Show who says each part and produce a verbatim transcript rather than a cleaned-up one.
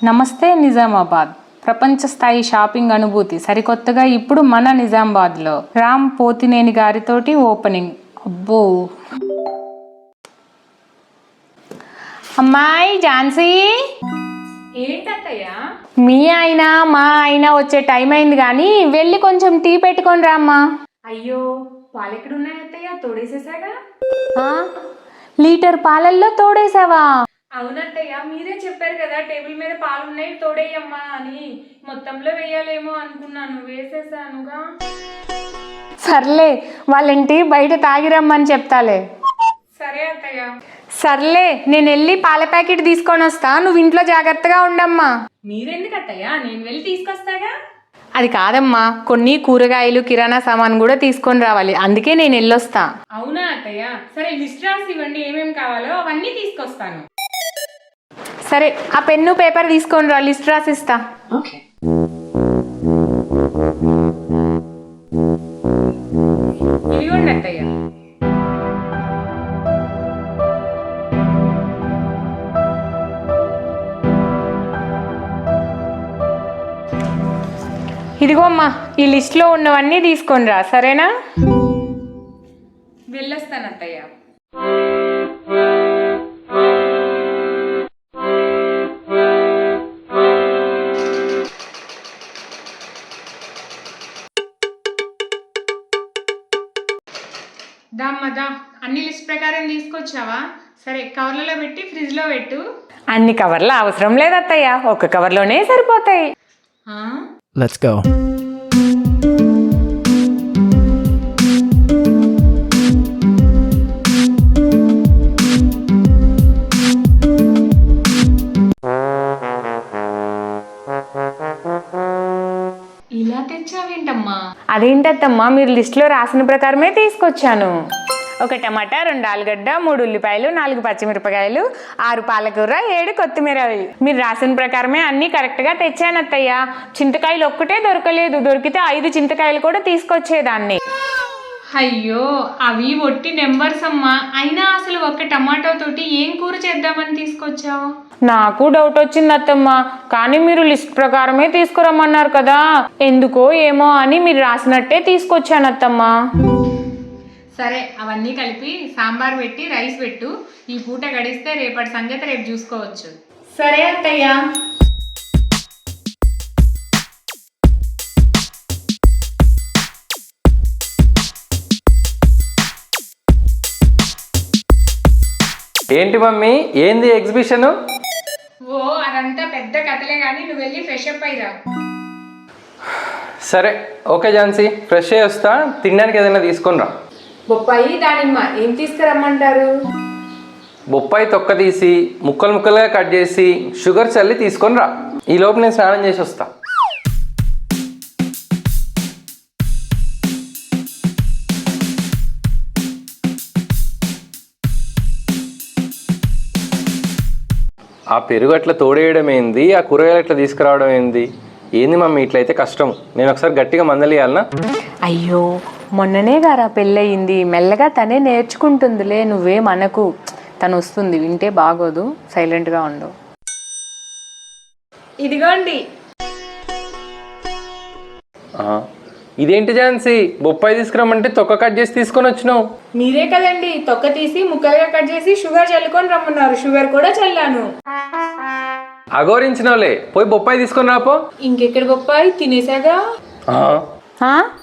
Speaker 1: నమస్తే నిజామాబాద్. ప్రపంచ స్థాయి షాపింగ్ అనుభూతి సరికొత్తగా ఇప్పుడు మన నిజామాబాద్లో రామ్ పోతినేని గారితోటి ఓపెనింగ్. అబ్బో అమ్మాయి ఝాన్సీ,
Speaker 2: ఏంటత్తయ్యా?
Speaker 1: మీ ఆయన మా ఆయన వచ్చే టైం అయింది కానీ వెళ్ళి కొంచెం టీ పెట్టుకొని రామ్మా.
Speaker 2: అయ్యో, పాలెక్కడున్నాయి అత్తయ్య? తోడేసేసాగా.
Speaker 1: లీటర్ పాలల్లో తోడేసావా?
Speaker 2: అవునత్తయ్య, మీరే చెప్పారు కదా టేబుల్ మీద పాలు ఉన్నాయి తోడేయమ్మా అని. మొత్తంలో వేయాలేమో అనుకున్నాను, వేసేసానుగా.
Speaker 1: సర్లే, వాళ్ళంటి బయట తాగిరమ్మని చెప్తాలే.
Speaker 2: సరే అత్తయ్య.
Speaker 1: సర్లే, నేను వెళ్ళి పాల ప్యాకెట్ తీసుకొని వస్తా, నువ్వు ఇంట్లో జాగ్రత్తగా ఉండమ్మా.
Speaker 2: మీరెందుకు అత్తయ్య? నేను వెళ్ళి తీసుకొస్తాగా.
Speaker 1: అది కాదమ్మా, కొన్ని కూరగాయలు కిరాణా సామాన్ కూడా తీసుకొని రావాలి, అందుకే నేను వెళ్ళొస్తా.
Speaker 2: అవునా అత్తయ్య? సరే, లిస్ట్ రాసి ఇవ్వండి, ఏమేమి కావాలో అవన్నీ తీసుకొస్తాను.
Speaker 1: సరే, ఆ పెన్ను పేపర్ తీసుకొని రా, లిస్ట్ రాసిస్తా.
Speaker 2: ఇదిగోండి అత్తయ్య.
Speaker 1: ఇదిగో అమ్మా, ఈ లిస్ట్లో ఉన్నవన్నీ తీసుకొని రా, సరేనా?
Speaker 2: వెళ్ళొస్తాను అత్తయ్య. దామ్మా దా, అన్ని లిస్ట్ ప్రకారం తీసుకొచ్చావా? సరే, కవర్లలో పెట్టి ఫ్రిడ్జ్లో పెట్టు.
Speaker 1: అన్ని కవర్లు అవసరం లేదు అత్తయ్య, ఒక కవర్లోనే సరిపోతాయి.
Speaker 3: Let's go.
Speaker 2: ఇలా తెచ్చావేంటమ్మా?
Speaker 1: అదేంటత్తమ్మా, మీరు లిస్టులో రాసిన ప్రకారమే తీసుకొచ్చాను. ఒక టమాటా, రెండు ఆలుగడ్డ, మూడు ఉల్లిపాయలు, నాలుగు పచ్చిమిరపకాయలు, ఆరు పాలకూర, ఏడు కొత్తిమీర. మీరు రాసిన ప్రకారమే అన్నీ కరెక్ట్గా తెచ్చాను అత్తయ్య. చింతకాయలు ఒక్కటే దొరకలేదు, దొరికితే ఐదు చింతకాయలు కూడా తీసుకొచ్చేదాన్ని.
Speaker 2: అయ్యో, అవి ఒట్టి నెంబర్స్ అమ్మా. అయినా అసలు ఒక్క టమాటో తోటి ఏం కూర చేద్దామని తీసుకొచ్చావు?
Speaker 1: నాకు డౌట్ వచ్చింది అత్తమ్మ, కానీ మీరు లిస్ట్ ప్రకారమే తీసుకురమ్మన్నారు కదా, ఎందుకో ఏమో అని మీరు రాసినట్టే తీసుకొచ్చాను అత్తమ్మ.
Speaker 2: సరే, అవన్నీ కలిపి సాంబార్ పెట్టి రైస్ పెట్టు. ఈ పూట గడిస్తే రేపటి సంగతి రేపు చూసుకోవచ్చు.
Speaker 1: సరే అత్తయ్య.
Speaker 4: ఏంటి మమ్మీ, ఏంది ఎగ్జిబిషన్?
Speaker 2: ఓ, అదంతా పెద్ద కథలే కానీ నువ్వు వెళ్ళి ఫ్రెష్ అప్ అయ్యిరా.
Speaker 4: సరే ఓకే ఝాన్సీ, ఫ్రెష్ అయ్యి వస్తా, తినడానికి ఏదైనా తీసుకొని రా.
Speaker 1: బొప్పాయి, దానిమ్మ ఏం తీసుకురమ్మంటారు?
Speaker 4: బొప్పాయి తొక్క తీసి ముక్కలు ముక్కలుగా కట్ చేసి షుగర్ చల్లి తీసుకొని రా. ఈ లోపు నేను స్నానం చేసి వస్తా. ఆ పెరుగు అట్లా తోడేయడం ఏంది, ఆ కూరగాయలు అట్లా తీసుకురావడం ఏంది? ఏంది మమ్మీ ఇట్లయితే కష్టం. నేను ఒకసారి గట్టిగా మందలియాలనా?
Speaker 1: అయ్యో, మొన్ననే గారా పెళ్ళయింది, మెల్లగా తనే నేర్చుకుంటుందిలే, నువ్వే మనకు. తను వస్తుంది, వింటే బాగోదు, సైలెంట్గా ఉండు.
Speaker 2: ఇదిగోండి.
Speaker 4: ఇదేంటి ఝాన్సీ, బొప్పాయి తీసుకురమ్మంటే తొక్క కట్ చేసి తీసుకొని వచ్చినావు?
Speaker 2: మీరే కదండి తొక్క తీసి ముక్కలుగా కట్ చేసి షుగర్ చల్లుకొని రమ్మన్నారు, షుగర్ కూడా చల్లాను.
Speaker 4: అగోరించినవులే, పోయి బొప్పాయి తీసుకొని రాపో.
Speaker 2: ఇంకెక్కడ బొప్పాయి, తినేసాగా.
Speaker 4: ఆ